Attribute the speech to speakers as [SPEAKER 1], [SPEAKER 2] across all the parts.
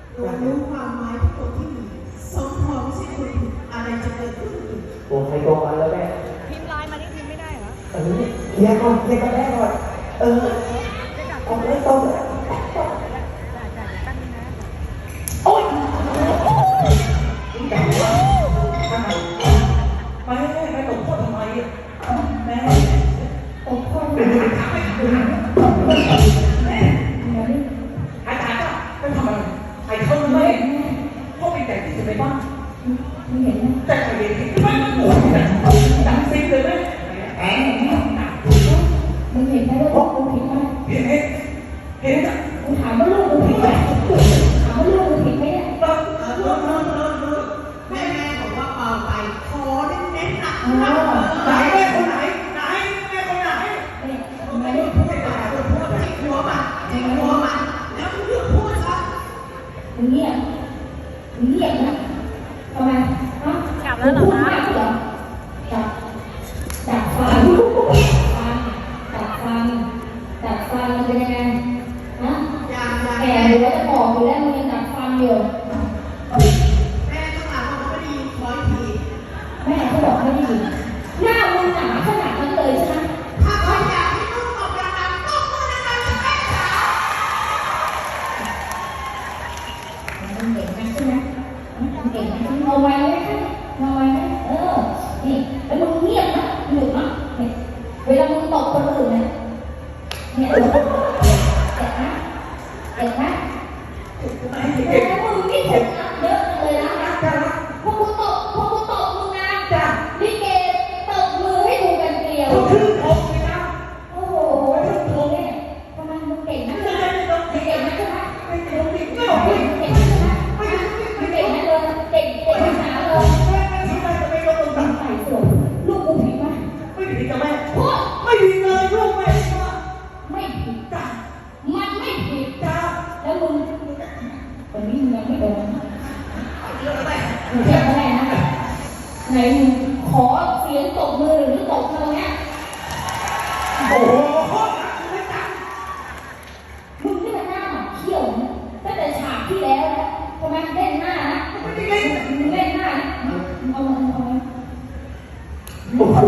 [SPEAKER 1] รู้ความหมายที่คนที่หนึ่งสมพรไม่ใช่คนผิดอะไรจะเกิดขึ้นอีก
[SPEAKER 2] ตัวใครตัวมันแล้วแม่
[SPEAKER 3] พิมพ์ไลน์มานี่พิมพ์ไม่ได้เหรอ
[SPEAKER 2] เคลียร์ก่อนเคลียร์กันแม่ก่อนเอาไม่ต้องโอ๊ยไม่ตกพ่อทำไมแม่ตกพ่อแม่อาจารย์ก็ทำอะไรใครเข้าไม่พ่อเป็นแต่ที่จะไปบ้านไม่เห็นนะแต่ใครเห็นไม่มันโง่ดังซิงเลยไหม
[SPEAKER 4] มึงเห็นไหมว่าลูกมึงผิดไหม
[SPEAKER 2] เห็นจ้ะ
[SPEAKER 4] มึงถามว่าลูกมึงผิดไหมถามว่าลูกมึงผิดไหมเนี่ย
[SPEAKER 1] แม่บอกว่าเบาไปขอเน้นๆหนัก
[SPEAKER 2] ไหนแม่คนไหนไหนแม่คนไหน
[SPEAKER 4] ไม่ได้พูด
[SPEAKER 1] แต่พูดที่หัวมันแล้วมึงเลือกพูดซะ
[SPEAKER 4] มึงเงียบนะทำไมฮะ
[SPEAKER 3] กลับแล้วเหรอคะ
[SPEAKER 4] จับฟันมันเป็นยังไงฮะแก่อยู่แล้วจะบอกอยู่แล้วมึงยังจับฟันอยู่
[SPEAKER 1] แม่ต้องหาว่าไม่ได้ยินคอยที
[SPEAKER 4] แม่เขาบอกไม่ได้ยินหน้ามึงหนาขนาดนั้นเลยใช่ไหม
[SPEAKER 1] ถ้าคอยอยากให้ลูกออกดังๆต้องพูดดังๆจะแม่จ๋า
[SPEAKER 4] มึงเก่งนะใช่ไหมมึงเก่งนะเอาไว้ไหมนี่แล้วมึงเงียบนะหยุดนะเวลามึงตบคนอื่นเนี่ยเจ็บนะแล้วมึงนี่ถูกอัดเยอะเลยนะพวกกูตบมึงนะลิเกตบมือให้ดูกันเกลียวโอ้โหเนี่ยทำไมมึงเก่งนะใช่ไหมมึงเก่งนะเลยเก่งภาษาเลยใส่สวยลูกกูผิดไหม
[SPEAKER 2] ไม่ผิดกับแม่
[SPEAKER 4] พูด
[SPEAKER 2] ไม่ผิดเลยลูกแม่
[SPEAKER 4] ไม่ผิด
[SPEAKER 2] จ้ะ
[SPEAKER 4] มันไม่ผิด
[SPEAKER 2] จ้ะ
[SPEAKER 4] แล้วมึงวันนี้มึงยังไม่โดนมึงเจ็บอะไรนะไหนมึงขอเสียงตบมือหรือตบเธอเนี่ย
[SPEAKER 2] โอ้โห
[SPEAKER 4] มึงนี่มันหน้าเขี้ยวนะตั้งแต่ฉากที่แล้วนะทำไมเล่นหน้านะมึงเล่นหน้าเอา
[SPEAKER 2] โอ้โห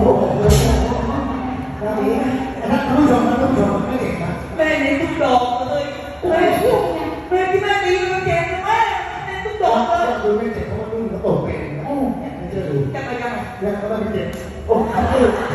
[SPEAKER 2] ท่านผู้ชมไม่เห็นนะแม่นี่ทุกดอกเลยแม่ที่แม่ดีมันเก่งนะแม่ทุกดอกเลยดูไม่เจ็บเพราะว่าลูกเขาตกเป็นไม่เชื่อดูยังไงยังเขาไม่เจ็บโอ้โห